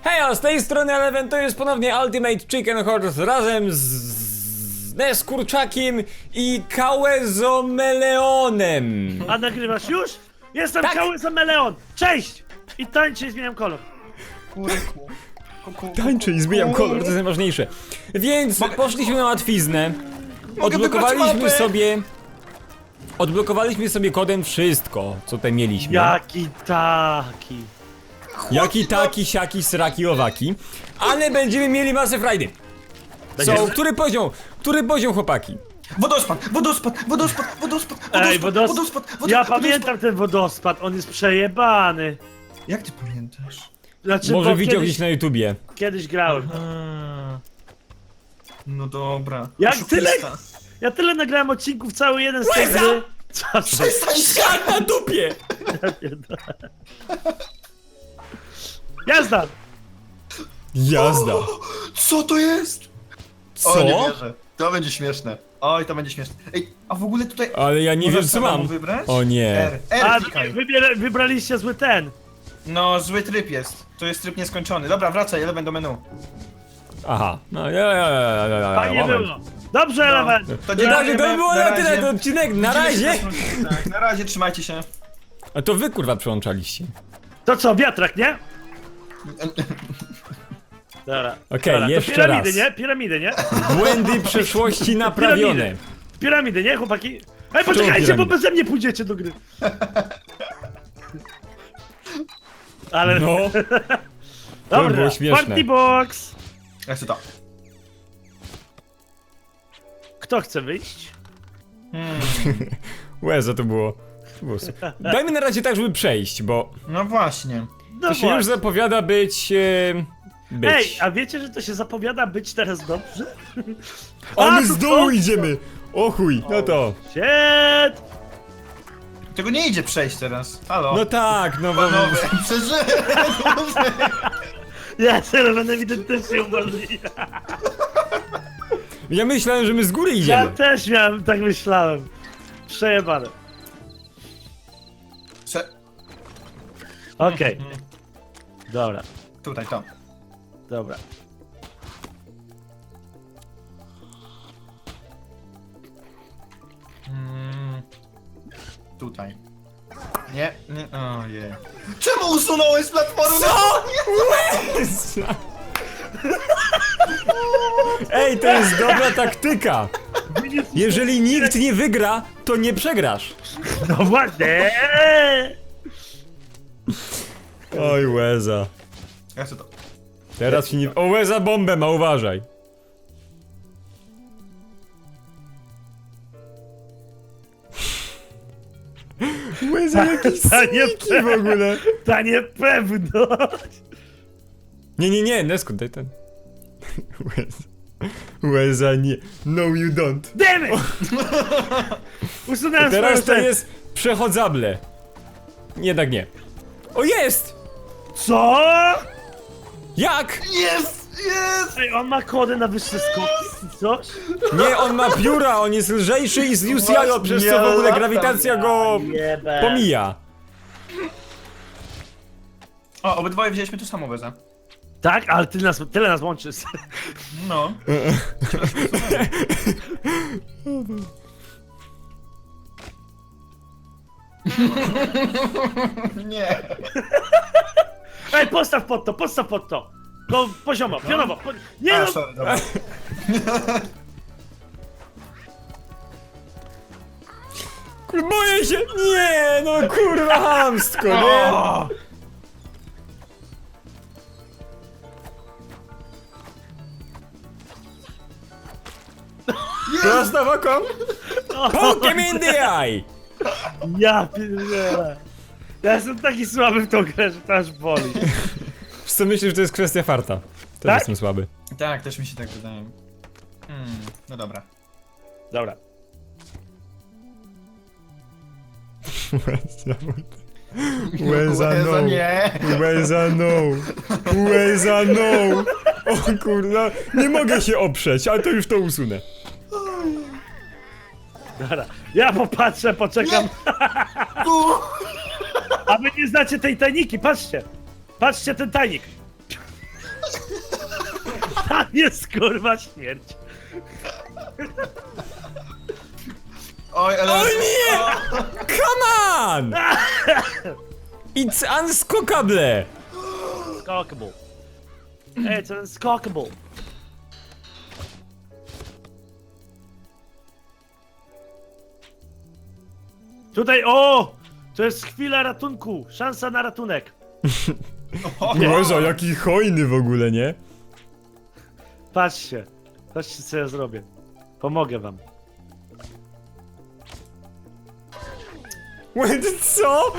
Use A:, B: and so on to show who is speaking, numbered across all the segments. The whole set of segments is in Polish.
A: Hej, z tej strony Eleven, to jest ponownie Ultimate Chicken Horse razem z Neskurczakiem i Kałezomeleonem.
B: A nagrywasz już? Jestem
A: Tak.
B: Kałezomeleon! Cześć! I tańczę i zmieniam kolor.
A: Tańczę i zmieniam kolor, to jest najważniejsze. Więc poszliśmy na łatwiznę. Odblokowaliśmy sobie kodem wszystko, co tutaj mieliśmy.
B: Jaki taki.
A: Jaki taki, siaki, sraki, owaki. Ale będziemy mieli masę frajdy.
B: Będziemy?
A: Który poziom? Który poziom, chłopaki?
C: Wodospad!
B: Ej, ja pamiętam ten wodospad, on jest przejebany.
C: Jak ty pamiętasz?
B: Znaczy,
A: Może
B: bo
A: widział gdzieś na YouTubie.
B: kiedyś grałem.
C: No dobra.
B: Jak
C: Oszukista.
B: Ja tyle nagrałem odcinków, cały jeden z tej
A: Łeza!
B: gry. Co to?
C: Przestań się!
A: Jak na dupie!
B: Jazda!
A: Jazda.
C: Co to jest?
A: Co?
C: O, nie wierzę. To będzie śmieszne. Oj, to będzie śmieszne. Ej, a w ogóle tutaj...
A: Ale ja nie
C: Możesz
A: wiem, co
C: samemu
A: mam.
C: wybrać?
A: O nie.
B: A,
C: klikaj.
B: wybraliście zły ten.
C: No, zły tryb jest. To jest tryb nieskończony. Dobra, wracaj, Eleven do menu.
A: Aha. No,
B: Fajnie było. Dobrze, Eleven.
C: To
A: No dobrze, to
C: dziękujemy.
A: było na tyle,
C: razie.
A: ten odcinek, na
C: Widzimy się
A: razie!
C: następnym- Tak, na razie, trzymajcie się.
A: A to wy kurwa przyłączaliście.
B: To co, wiatrak, nie? Dobra.
A: Okej,
B: Dobra, to
A: jeszcze
B: piramidy,
A: raz.
B: nie? Piramidy, nie?
A: Błędy przeszłości naprawione.
B: Piramidy, nie, chłopaki? Ej, poczekajcie, bo
A: piramidy?
B: beze mnie pójdziecie do gry. Ale...
A: No,
B: Dobra,
A: było śmieszne.
B: party box!
C: Jak chcę to?
B: Kto chce wyjść?
A: łeza to było. Dajmy na razie tak, żeby przejść, bo
C: No właśnie.
B: No
A: to się już zapowiada być... być.
B: Ej, a wiecie, że to się zapowiada być teraz dobrze?
A: A my
B: to
A: z dołu
B: co?
A: idziemy! O chuj, no to.
B: Shit!
C: Tego nie idzie przejść teraz. Halo?
A: No tak, no bo...
C: Panowie, przeżyłem!
B: Ja teraz będę ewidentnie umarli.
A: Ja myślałem, że my z góry
B: Ja
A: idziemy.
B: też miałem, tak myślałem. Przejebane. Okej. Dobra,
C: Tutaj, to.
B: dobra.
C: Tutaj. Nie, nie, ojej. Czemu usunąłeś z platformy?
A: Ej, to jest dobra taktyka. Jeżeli nikt nie wygra, to nie przegrasz.
B: No właśnie!
A: Oj, łeza.
C: Ja chcę to.
A: Teraz się nie... O, łeza bombę ma, uważaj. Łeza jakiś
B: Ta nie-
A: sniki w ogóle.
B: Ta niepewność!
A: Nie, Nesku, daj ten. Łeza. Łeza nie. No you don't.
B: Damn it! Usunąłem
A: Teraz to
B: swoją
A: jest przechodzable. Jednak nie. O, jest!
B: Co?
A: Jak?
C: Jest! Jest!
B: Ej, on ma kody na wyższe skoki? Coś?
A: Nie, on ma pióra, on jest lżejszy i zniósł jajo, przez co w ogóle grawitacja go
B: Jebe.
A: pomija.
C: O, obydwoje wzięliśmy tu samo Weza.
B: Tak, ale tyle nas łączy.
C: No. Nie.
B: Ej, postaw pod to, postaw pod to! No, poziomo, pionowo. Nie
C: A,
B: no!
C: sorry, dobra.
A: Boję się! Nie, no kurwa hamstko, nie?
C: O!
A: Prosto w oko. Poke me in the eye!
B: Ja pierdolę. Ja jestem taki słaby w tą grę, że to aż boli.
A: Wiesz co, myślę, że to jest kwestia farta. Też
B: Tak?
A: jestem słaby.
C: Tak, też mi się tak wydaje. No dobra.
B: Dobra.
A: Łeza no.
C: Łeza nie.
A: Łeza no. Łeza no. O kurwa, nie mogę się oprzeć, ale to już to usunę.
B: Dobra. Ja popatrzę, poczekam. A wy nie znacie tej tajniki, patrzcie. Patrzcie ten tajnik. Tam jest kurwa śmierć.
C: Oj, ale...
A: O nie! Come on! It's unskokable!
B: Unskakable. It's unskakable. Tutaj, o! To jest chwila ratunku, szansa na ratunek.
A: Boże, jaki hojny w ogóle, nie?
B: Patrzcie, patrzcie co ja zrobię. Pomogę wam.
A: Wait, co?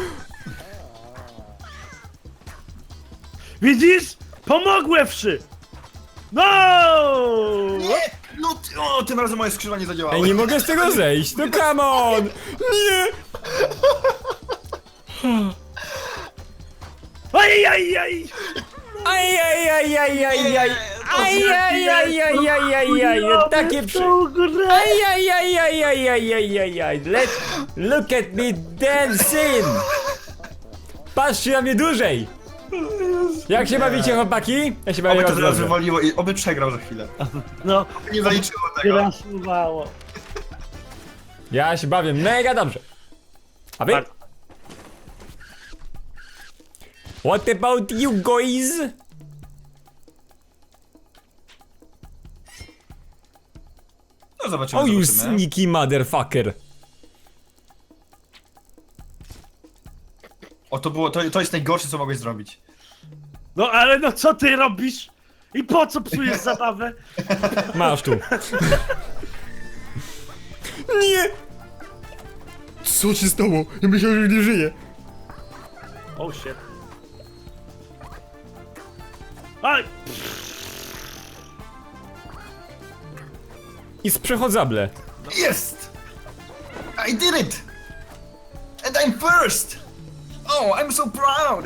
B: Widzisz? Pomogłem wszy! No!
C: Nie! No, o, tym razem moje skrzydła nie zadziałały.
A: Ej, nie mogę z tego zejść, no come on! Nie!
B: Ajajaj!
A: Ajajajajajaj! Ajajajajajaj! Takie przy... Ajajajajajajaj! Look at me dancing! Patrzcie na mnie dłużej! Jak się bawicie, chłopaki? Ja się bawię
C: Oby to
A: bardzo
C: teraz
A: dobrze.
C: wywaliło i oby przegrał za chwilę.
B: No,
C: Nie zaliczyło tego.
B: grasuwało.
A: Ja się bawię mega dobrze. A wy? What about you guys?
C: No zobaczymy,
A: Oh you
C: zobaczymy.
A: sneaky motherfucker.
C: O, to było, to jest najgorsze, co mogłeś zrobić.
B: No ale no co ty robisz? I po co psujesz zabawę?
A: Masz tu. Nie! Co się stało? Ja myślałem, że nie żyje.
B: Oh shit. Aj!
A: I sprzechodzable.
C: Jest! I did it! And I'm first! Oh, I'm so proud!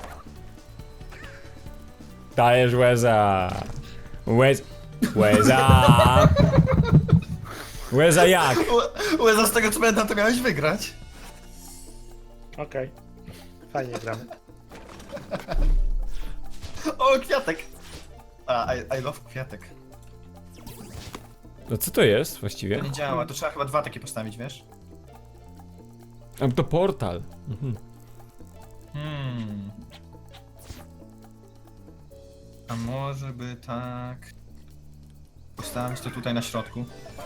A: Dajesz łeza. Łeza. Łeza jak?
C: Łeza, z tego co pamiętam, to miałeś wygrać.
B: Okej. Fajnie gramy.
C: O, kwiatek! A, I love kwiatek.
A: No co to jest
C: To
A: właściwie?
C: nie działa, to trzeba chyba 2 takie postawić, wiesz?
A: A, to portal. Mhm.
C: A może by tak... Postawić to tutaj na środku.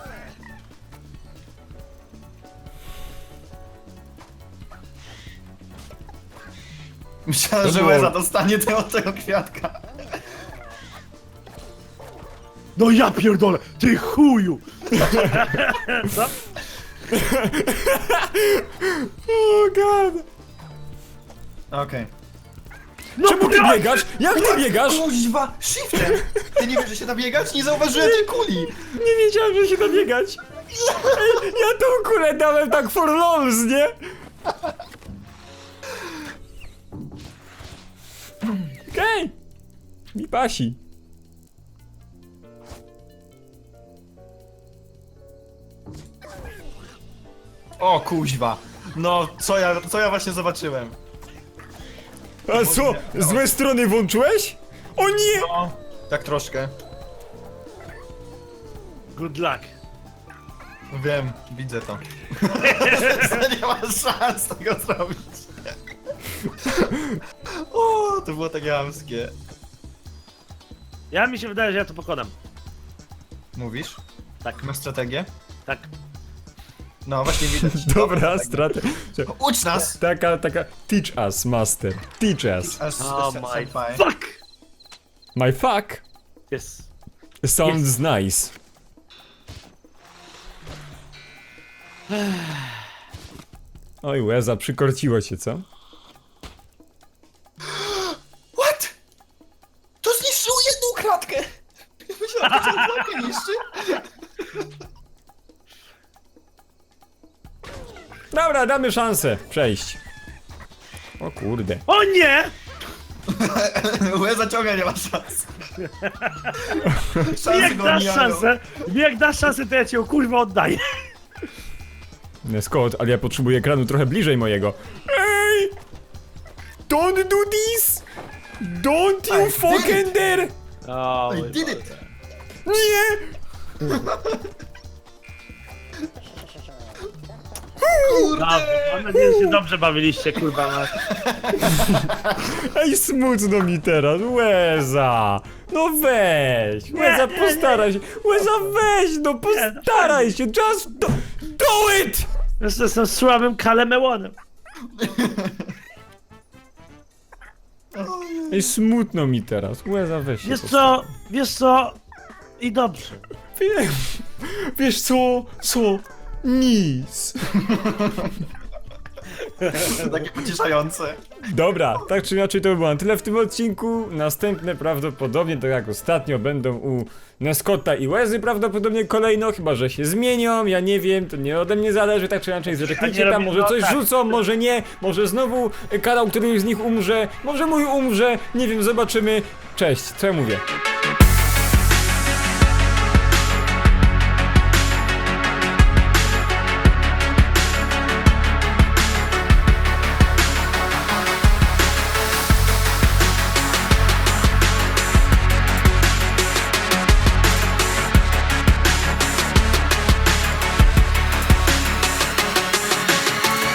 C: Myślałem,
A: To
C: że
A: było-
C: Łeza dostanie tego kwiatka.
B: No ja pierdolę! Ty chuju! Co?
A: Oh god.
C: Okej.
B: No
A: Czemu ty
B: bra-
A: biegasz? Jak ty biegasz?
C: Kuźwa, shiftem! Ty nie wiesz, że się da biegać? Nie zauważyłem tej kuli!
A: Nie wiedziałem, że się da biegać. Ej, ja tą kulę dałem tak for lols, nie? Okej. Mi pasi.
C: O kuźwa! No, co ja właśnie zobaczyłem?
A: A co? Złe strony włączyłeś? O nie!
C: No, tak troszkę.
B: Good luck.
C: Wiem, widzę to. Nie ma szans tego zrobić. O, to było takie chamskie.
B: Ja mi się wydaje, że ja to pokonam.
C: Mówisz?
B: Tak.
C: Masz strategię?
B: Tak.
C: No, właśnie widać.
A: Dobra, stratę.
C: Ucz nas!
A: Taka, teach us, master. Teach us.
B: Oh my
C: senpai.
B: fuck!
A: My fuck
B: Yes.
A: sounds nice. Oj, łeza, przykorciło cię, co?
C: What? To zniszczyło jedną kratkę! Myślałem, że to kratkę niszczy.
A: Dobra, damy szansę przejść. O kurde.
B: O nie!
C: Łeza ciągle nie ma szans. Szansy
B: Jak
C: go
B: dasz
C: omijają.
B: szansę, jak dasz szansę, to ja cię kurwa oddaję.
A: Scott, ale ja potrzebuję ekranu trochę bliżej mojego. Ej! Don't do this! Don't you
C: I did
A: fucking dare!
B: O,
C: I
B: mój
C: did
B: Boże.
C: it!
A: Nie!
B: Dobrze, mam nadzieję, że się dobrze bawiliście, kurwa.
A: Ej, smutno mi teraz, Łeza! No weź! Łeza,
B: nie,
A: postaraj się! Łeza, weź, no postaraj się! Just do it!
B: Jeszcze jestem słabym kalemełonem.
A: Ej, smutno mi teraz, Łeza, weź się
B: Wiesz co? I dobrze.
A: Wiesz co? Nic.
C: Takie pocieszające.
A: Dobra, tak czy inaczej to by było na tyle w tym odcinku. Następne prawdopodobnie, tak jak ostatnio, będą u Nescotta i Łezy prawdopodobnie kolejno, chyba że się zmienią, ja nie wiem, to nie ode mnie zależy, tak czy inaczej zerknijcie tam, może coś rzucą, może nie, może znowu kanał któryś z nich umrze, może mój umrze, nie wiem, zobaczymy. Cześć, co ja mówię?